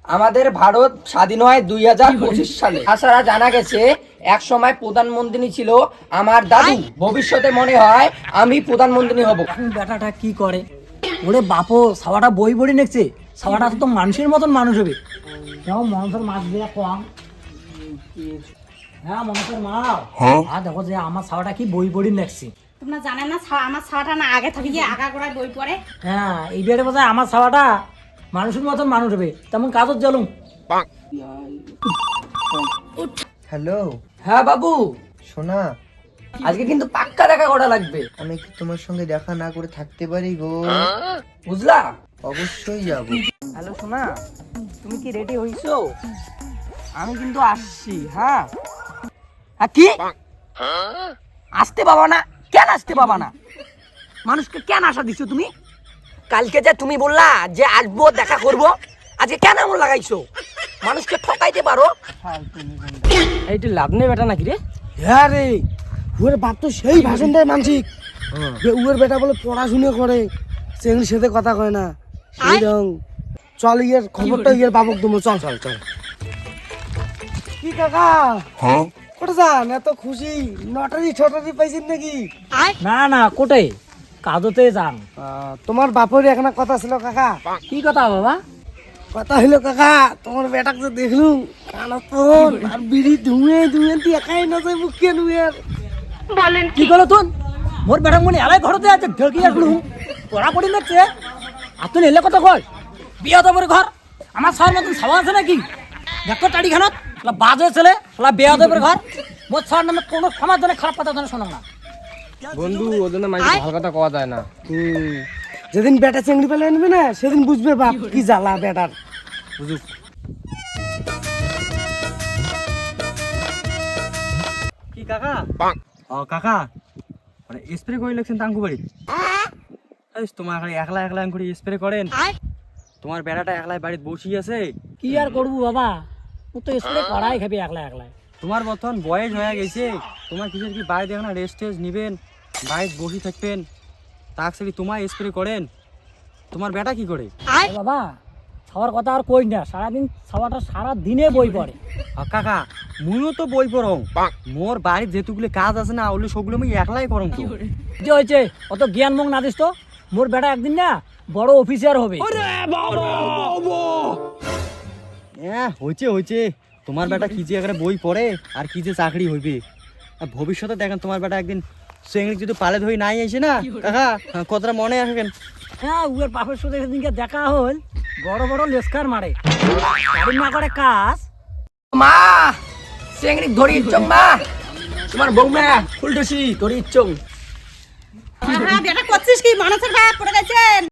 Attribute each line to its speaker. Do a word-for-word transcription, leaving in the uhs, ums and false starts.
Speaker 1: আমাদের ভারত স্বাধীন হয় দুই হাজার পঁচিশ সালে। তাছাড়া জানা গেছে এক সময় প্রধানমন্ত্রী ছিল আমার দাদু। ভবিষ্যতে মনে হয় আমি প্রধানমন্ত্রী হব।
Speaker 2: এখন বেটাটা কি করে? ওরে বাপো, সাওয়াটা বই বড়ি নেছে, সাওয়াটা তো মানুষের মতন মানুষ হবে। কেমন মানুষের মাছ দিয়ে কম। হ্যাঁ মানুষের মা, হ্যাঁ দেখো যে আমার সাওয়াটা কি বই বড়ি নেছি।
Speaker 3: তোমরা জানে না আমার ছাওয়াটা না আগে থেকে গিয়ে আগা করায় বই পড়ে।
Speaker 2: হ্যাঁ এই বেড়ে বোঝায় আমার সাওয়াটা মানুষের মতন মানুষ হবে, তেমন কাজত জ্বলুম।
Speaker 4: হ্যালো
Speaker 1: হ্যাঁ বাবু,
Speaker 4: সোনা,
Speaker 1: আজকে কিন্তু পাক্কা দেখা করা লাগবে,
Speaker 4: আমি কি তোমার সঙ্গে দেখা না করে থাকতে পারি গো?
Speaker 1: বুঝলা?
Speaker 4: অবশ্যই যাব।
Speaker 1: হ্যালো সোনা, তুমি কি রেডি হইছো? আমি কিন্তু আসছি। হ্যাঁ হ্যাঁ কি আসতে পাবা না? কেন আসতে পাবা না? মানুষকে কেন আশা দিছো তুমি? কালকে যে তুমি বললা যে আসবো দেখা করব, আজকে কেন এমন লাগাইছো? মানুষকে ঠকাইতে পারো? এইটা লাভ নেই বেটা নাকি রে?
Speaker 5: হ্যাঁ রে, উয়ের বাপ তো সেই ভাষণ দেয় মানসিক যে উয়ের বেটা বলে পড়াশুনো করে, সেগুলির সাথে কথা কয় না। সেই রং চল, ইয়ের খবরটা ইয়ের বাবক দেবো। চল চল চল। কি কাকা, কোথায় যান? এত খুশি, নটারি ছটারি পাইছেন নাকি?
Speaker 2: না না কোটে কাজতে যান।
Speaker 5: আহ, তোমার বাপের একটা কথা ছিল কাকা।
Speaker 2: কি কথা বাবা?
Speaker 5: কথা হইলো কাকা, তোমার বেটাকে যে দেখলুম কানা ফোন আর বিড়ি ধুয়ে ধুয়ে দিয়ে একাই না যায় মুখে নুয়ের।
Speaker 2: কি করলো তুন? মোর বেটা মনে এলাই ঘরতে আছে ঢেকি আসলু পড়া পড়ি লাগছে। আর তুই এলে কথা কয় বিয়া তো ঘর আমার সবার মতন সাবা আছে নাকি? দেখো টাড়ি খানত বাজে ছেলে বিয়া দেবের ঘর। মোর সবার নামে কোনো সমাজ জন্য খারাপ কথা জানে শোনো না।
Speaker 1: বন্ধু, ওর জন্য মানুষ ভালো কথা কওয়া যায় না।
Speaker 5: হুম, যেদিন বেটা চেংড়ি পেলে আনবে না সেদিন বুঝবে বাপ কি জ্বালা বেটার।
Speaker 1: বুঝুক।
Speaker 6: কি কাকা? ও কাকা, মানে স্প্রে করে লাগছেন টাঙ্কু বাড়ি? তোমার খালি একলা একলা করে স্প্রে করেন? তোমার বেড়াটা একলাই বাড়িতে বসি আছে।
Speaker 2: কি আর করবো বাবা, ও তো স্প্রে করাই খাবি একলা একলা।
Speaker 6: তোমার বর্তমান বয়স হয়ে গেছে, তোমার কিসের কি বাড়িতে এখন রেস্ট টেস্ট নিবেন, বাড়িতে বসে থাকবেন, তাক সে তোমার স্প্রে করেন? তোমার বেটা কি করে?
Speaker 2: বাবা খাওয়ার কথা আর কই না, সারাদিন খাওয়াটা সারা দিনে বই পড়ে।
Speaker 6: আর কাকা মুইও তো বই পড়ং, মোর বাড়ির যেতুগুলো কাজ আছে না ওগুলো সবগুলো আমি একলাই করং। তো
Speaker 2: যে হয়েছে অত জ্ঞান মুখ না দিস তো, মোর বেটা একদিন না বড় অফিসার হবে।
Speaker 6: হ্যাঁ হয়েছে হয়েছে, তোমার বেটা কি যে এখানে বই পড়ে আর কি যে চাকরি হইবে। আর ভবিষ্যতে দেখেন তোমার বেটা একদিন সেঙ্গলি যদি পালে ধরে নাই আসে না কাকা, কতটা মনে আসবেন।
Speaker 2: হ্যাঁ উয়ের বাপের সাথে সেদিনকে দেখা হল, বড় বড় লেস্কার মারে, গাড়ি না করে কাজ।
Speaker 1: মা চেংড়ি ধরি ইচ্ছং, মা তোমার বৌমা ফুলটুসি ধরি ইচ্ছং।
Speaker 3: হ্যাঁ বেটা করছিস কি? মানুষের ভাত পড়ে গেছেন।